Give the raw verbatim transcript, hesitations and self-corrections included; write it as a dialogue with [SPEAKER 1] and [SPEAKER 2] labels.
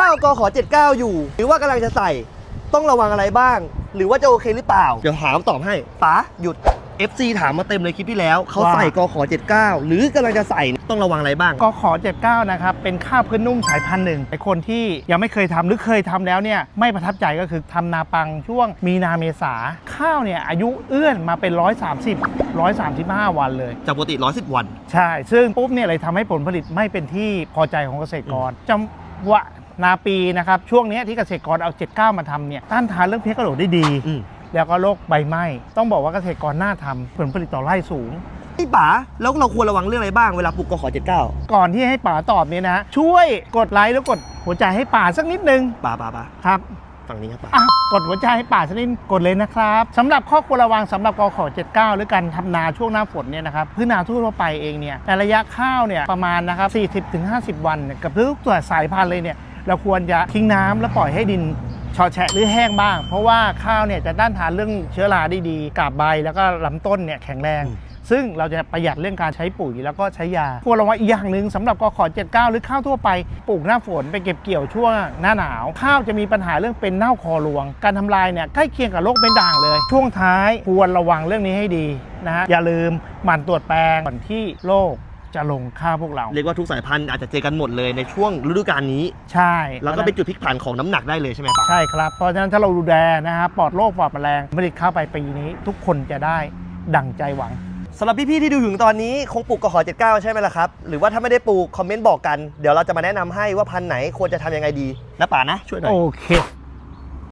[SPEAKER 1] ข้าวกขเจ็ดเก้าอยู่หรือว่ากำลังจะใส่ต้องระวังอะไรบ้างหรือว่าจะโอเคหรือเปล่าเดี๋ยวถามตอบให้ป๋าหยุด เอฟ ซี ถามมาเต็มเลยคลิปที่แล้วเขาใส่กขเจ็ดเก้าหรือกำลังจะใส่ต้องระวังอะไรบ้าง
[SPEAKER 2] กขเจ็ดเก้านะครับเป็นข้าวพื้นนุ่มสายพันธุ์หนึ่งไอคนที่ยังไม่เคยทำหรือเคยทำแล้วเนี่ยไม่ประทับใจก็คือทำนาปังช่วงมีนาเมษาข้าวเนี่ยอายุเอื้อนมาเป็นร้อยสามสิบ ร้อยสามสิบห้าวันเลย
[SPEAKER 1] จากปกติหนึ่งร้อยสิบวัน
[SPEAKER 2] ใช่ซึ่งปุ๊บเนี่ยเลยทำให้ผลผลิตไม่เป็นที่พอใจของเกษตรกรจังหวะนาปีนะครับช่วงนี้ที่เกษตรกรเอาเจ็ดเก้ามาทำเนี่ยต้านทานเรื่องเพลี้ยกระโดดได้ดีแล้วก็โรคใบไหม้ต้องบอกว่าเกษตรกรน่าทำผลผลิตต่อไร่สูง
[SPEAKER 1] ไอ้ป๋าแล้วเราควรระวังเรื่องอะไรบ้างเวลาปลูกกขเจ็ดเก้า
[SPEAKER 2] ก่อนที่ให้ป๋าตอบเนี่ยนะช่วยกดไลค์แล้วกดหัวใจให้ป๋าสักนิดนึง
[SPEAKER 1] ป๋าป๋าป๋า
[SPEAKER 2] ครับ
[SPEAKER 1] ฝั่งนี้ครับป๋
[SPEAKER 2] ากดหัวใจให้ป๋าสักนิดกดเลยนะครับสำหรับข้อควรระวังสำหรับกขเจ็ดเก้าหรือการทำนาช่วงหน้าฝนเนี่ยนะครับพืชนาทั่วไปเองเนี่ยในระยะข้าวเนี่ยประมาณนะครับ สี่สิบถึงห้าสิบ วันกับทุกตัวสายพันธุ์เลยเนี่ยเราควรจะทิ้งน้ำแล้วปล่อยให้ดินชอแฉะหรือแห้งบ้างเพราะว่าข้าวเนี่ยจะต้านทานเรื่องเชื้อราได้ดีกาบใบแล้วก็ลำต้นเนี่ยแข็งแรงซึ่งเราจะประหยัดเรื่องการใช้ปุ๋ยแล้วก็ใช้ยาควรระวังอีกอย่างหนึ่งสำหรับกขเจ็ดเก้าหรือข้าวทั่วไปปลูกหน้าฝนไปเก็บเกี่ยวช่วงหน้าหนาวข้าวจะมีปัญหาเรื่องเป็นเน่าคอรวงการทำลายเนี่ยใกล้เคียงกับโรคเป็นด่างเลยช่วงท้ายควรระวังเรื่องนี้ให้ดีนะฮะอย่าลืมหมั่นตรวจแปลงก่อนที่โรคจะลงข้าวพวกเรา
[SPEAKER 1] เรียกว่าทุกสายพันธุ์อาจจะเจอกันหมดเลยในช่วงฤดูกาลนี้
[SPEAKER 2] ใช่
[SPEAKER 1] แล้วก็เป็นจุดพลิกผันของน้ำหนักได้เลยใช่ไหมครับ
[SPEAKER 2] ใช่ครับเพราะฉะนั้นถ้าเราดูแลนะฮะปลอดโรคปลอดแมลงผลิตข้าวไปปีนี้ทุกคนจะได้ดั่งใจหวัง
[SPEAKER 1] สำหรับพี่ๆที่ดูถึงตอนนี้คงปลูกกขเจ็ดเก้าใช่ไหมล่ะครับหรือว่าถ้าไม่ได้ปลูกคอมเมนต์บอกกันเดี๋ยวเราจะมาแนะนำให้ว่าพันธุ์ไหนควรจะทำยังไงดีนะป๋านะช่วยหน่อย
[SPEAKER 2] โอเค